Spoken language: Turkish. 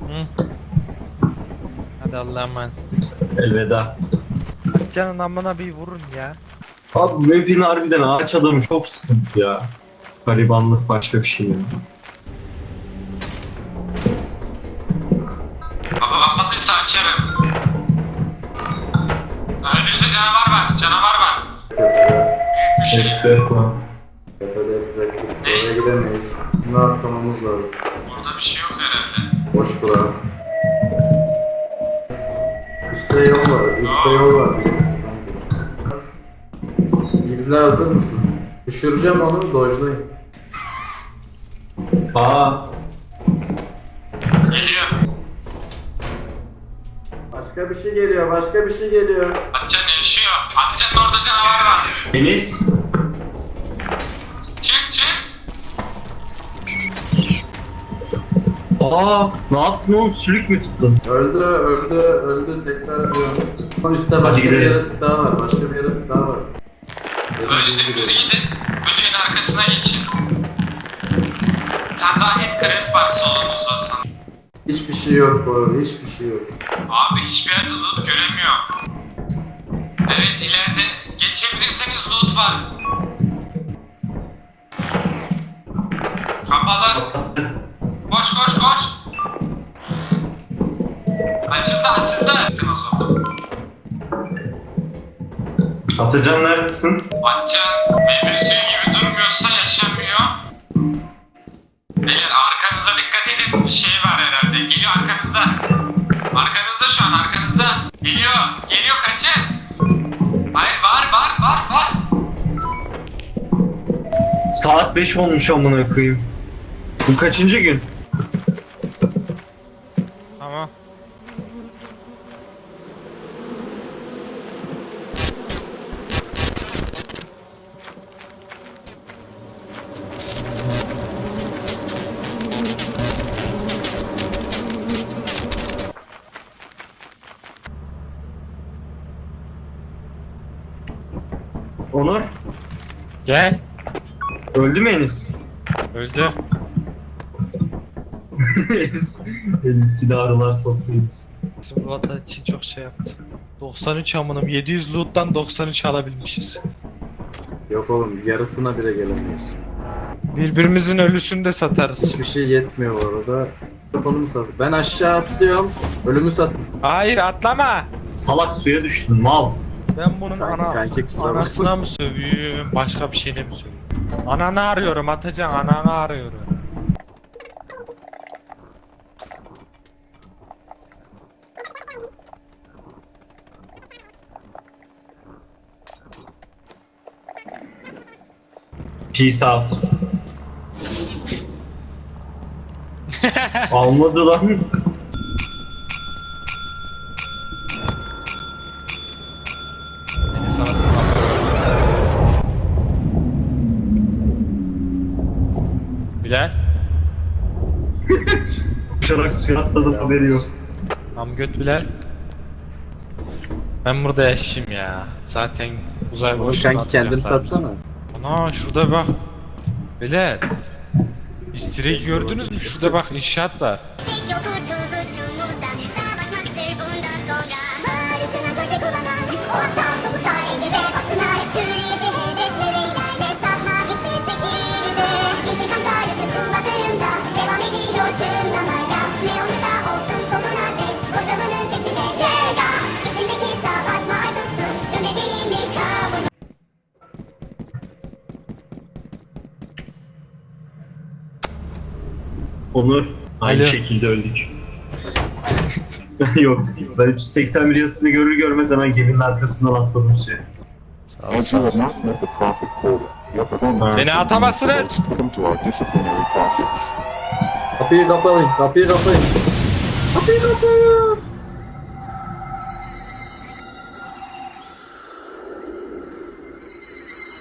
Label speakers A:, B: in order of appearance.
A: Hı. Hadi Allah'a emanet.
B: Elveda.
A: Canın amına bir vurun ya.
B: Abi bu map'in harbiden ağaç adamı çok sıkıntı ya. Garibanlık başka bir şey yani.
C: Baba bakmadıysa açarım. Önümüzde canavar var, canavar var. Büyük bir şey.
B: Expert var.
D: Evet, bekle. Oraya gidemeyiz. Bunu atlamamız lazım.
C: Orada bir şey yok herhalde.
D: Boş bura. Üstte yol var. Üstte yol var. İzle, hazır mısın? Düşüreceğim onu, dojlayın.
B: Aa,
C: Geliyor.
D: Başka bir şey geliyor, başka bir şey geliyor.
C: Atcan yaşıyor. Atcan'ın orada canavar var.
B: Enis.
C: Çık çık.
B: Aa, ne yaptın oğlum? Sülük mü tuttun?
D: Öldü, öldü, öldü. Tekrar ediyor. Onun üstte başka bir
B: gidelim.
D: yaratık daha var, başka bir yaratık daha var.
C: Böyle dümdüz gidin. Böceğin arkasına geçin. Bir tane daha head crab var solunuzda sana.
D: Hiçbir şey yok bu arada, hiçbir şey yok.
C: Abi hiçbir yerde loot göremiyorum. Evet ileride geçebilirseniz loot var. Kapalı. Koş koş koş. Açıldı açıldı. Çıkın o zaman.
B: Atacan neredesin?
C: Atcan meyve suyu gibi durmuyorsa yaşamıyor. Beyler arkanıza dikkat edin. Bir şey var herhalde. Geliyor arkanızda. Arkanızda şu an arkanızda. Geliyor. Geliyor kaçın. Hayır var.
B: Saat 5 olmuş amına koyayım. Bu kaçıncı gün?
A: Tamam.
B: Onur,
A: Gel.
B: öldü mü Enis?
A: Öldü.
B: Enis silahlar soktu Enis.
A: Bizim bu vatan için çok şey yaptı. 93 amınım. 700 loot'tan 93 alabilmişiz.
D: Yok oğlum, yarısına bile gelemiyoruz.
A: Birbirimizin ölüsünü de satarız.
D: Hiçbir şey yetmiyor bu arada. Telefonumu sat. Ben aşağı atlıyorum. Ölümü satın.
A: Hayır atlama.
B: Salak suya düştün mal.
A: Ben bunun
D: Kanki kusura bakma.
A: anasına mı sövüyorum, başka bir şeyine mi sövüyorum? Ananı arıyorum Atacan, ananı arıyorum.
B: Peace out. Almadı lan.
A: Beni sana sınav. Bilal,
B: Uçarak suya atladım haberi yok.
A: tam göt Bilal. Ben burada yaşayayım ya. Zaten uzay
D: Oğlum
A: boşluğuna
D: kanki kendini
A: atacaklar.
D: satsana.
A: Ana şurada bak. Bilal. İstireyi gördünüz mü? Şurada bak inşaat var.
E: Tek kurtuluşumuzda savaşmaktır bundan sonra. Barışına proje kullanan o aptal topu sahibi ve baksınlar. Hürriyeti hedeflere ilerle sapma hiçbir şekilde. İntikam çağrısı kulaklarımda devam ediyor çınlamaya. Ne olursa olsun sonuna dek koşalının peşinde. Yerda içimdeki savaşma arzusu tüm bedenimi kavurma.
B: Onur, aynı
A: Alo.
B: şekilde öldük. Yok, ben 381 yazısını görür görmez hemen geminin arkasından atladım suya.
A: Sağ ol,
F: As
A: sağ
F: you
A: ol.
F: have not met the profit quota, your performance
A: Beni atamazsınız.
F: welcome to our disciplinary process.
D: Kapıyı kapayın, kapıyı kapayın. Kapıyı kapayın.